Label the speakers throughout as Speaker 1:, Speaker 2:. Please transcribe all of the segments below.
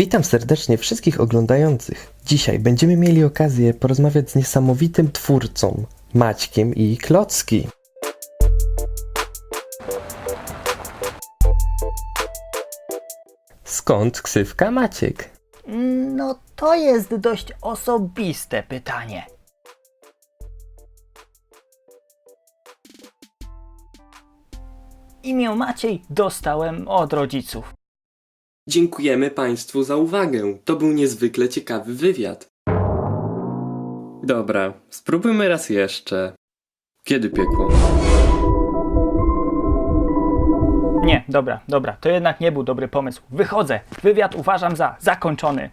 Speaker 1: Witam serdecznie wszystkich oglądających. Dzisiaj będziemy mieli okazję porozmawiać z niesamowitym twórcą, Maćkiem i Klocki. Skąd ksywka Maciek?
Speaker 2: No to jest dość osobiste pytanie. Imię Maciej dostałem od rodziców.
Speaker 3: Dziękujemy Państwu za uwagę. To był niezwykle ciekawy wywiad. Dobra, spróbujmy raz jeszcze. Kiedy piekło?
Speaker 2: Nie, dobra, to jednak nie był dobry pomysł. Wychodzę. Wywiad uważam za zakończony.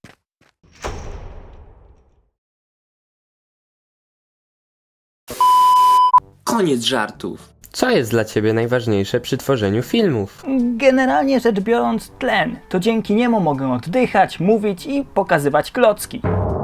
Speaker 3: Koniec żartów.
Speaker 1: Co jest dla ciebie najważniejsze przy tworzeniu filmów?
Speaker 2: Generalnie rzecz biorąc tlen. To dzięki niemu mogę oddychać, mówić i pokazywać klocki.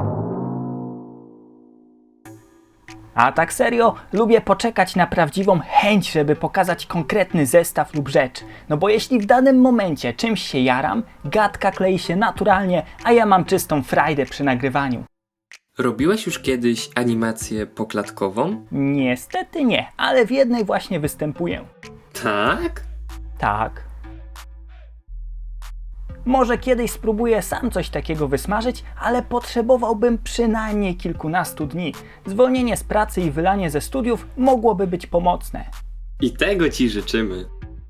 Speaker 2: A tak serio, lubię poczekać na prawdziwą chęć, żeby pokazać konkretny zestaw lub rzecz. No bo jeśli w danym momencie czymś się jaram, gadka klei się naturalnie, a ja mam czystą frajdę przy nagrywaniu.
Speaker 3: Robiłeś już kiedyś animację poklatkową?
Speaker 2: Niestety nie, ale w jednej właśnie występuję.
Speaker 3: Tak?
Speaker 2: Tak. Może kiedyś spróbuję sam coś takiego wysmażyć, ale potrzebowałbym przynajmniej kilkunastu dni. Zwolnienie z pracy i wylanie ze studiów mogłoby być pomocne.
Speaker 3: I tego Ci życzymy.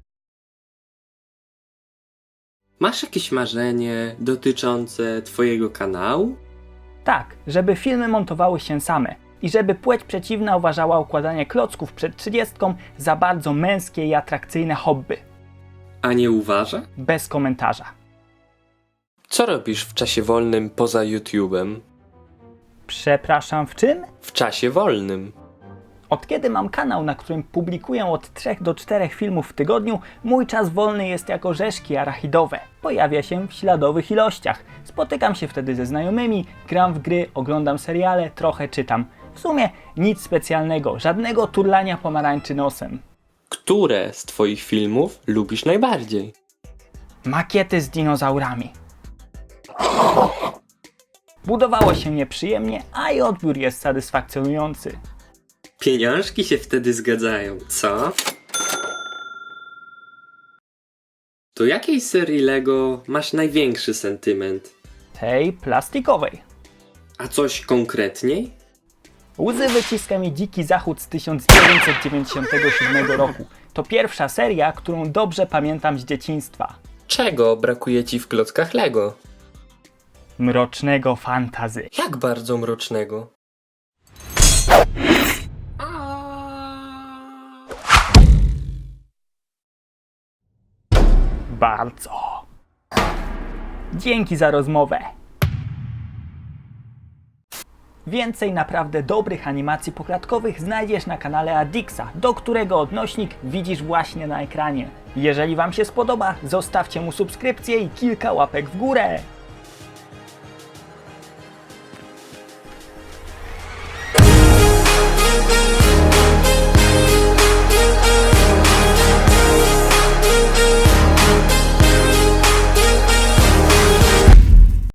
Speaker 3: Masz jakieś marzenie dotyczące Twojego kanału?
Speaker 2: Tak, żeby filmy montowały się same i żeby płeć przeciwna uważała układanie klocków przed 30 za bardzo męskie i atrakcyjne hobby.
Speaker 3: A nie uważa?
Speaker 2: Bez komentarza.
Speaker 1: Co robisz w czasie wolnym poza YouTube'em?
Speaker 2: Przepraszam, w czym?
Speaker 1: W czasie wolnym.
Speaker 2: Od kiedy mam kanał, na którym publikuję od 3 do 4 filmów w tygodniu, mój czas wolny jest jak orzeszki arachidowe. Pojawia się w śladowych ilościach. Spotykam się wtedy ze znajomymi, gram w gry, oglądam seriale, trochę czytam. W sumie nic specjalnego, żadnego turlania pomarańczy nosem.
Speaker 1: Które z twoich filmów lubisz najbardziej?
Speaker 2: Makiety z dinozaurami. Budowało się nieprzyjemnie, a i odbiór jest satysfakcjonujący.
Speaker 3: Pieniążki się wtedy zgadzają, co? Do jakiej serii Lego masz największy sentyment?
Speaker 2: Tej plastikowej.
Speaker 3: A coś konkretniej?
Speaker 2: Łzy wyciska mi Dziki Zachód z 1997 roku. To pierwsza seria, którą dobrze pamiętam z dzieciństwa.
Speaker 1: Czego brakuje ci w klockach Lego?
Speaker 2: Mrocznego fantazy.
Speaker 1: Jak bardzo mrocznego?
Speaker 2: Bardzo. Dzięki za rozmowę. Więcej naprawdę dobrych animacji poklatkowych znajdziesz na kanale Adixa, do którego odnośnik widzisz właśnie na ekranie. Jeżeli Wam się spodoba, zostawcie mu subskrypcję i kilka łapek w górę.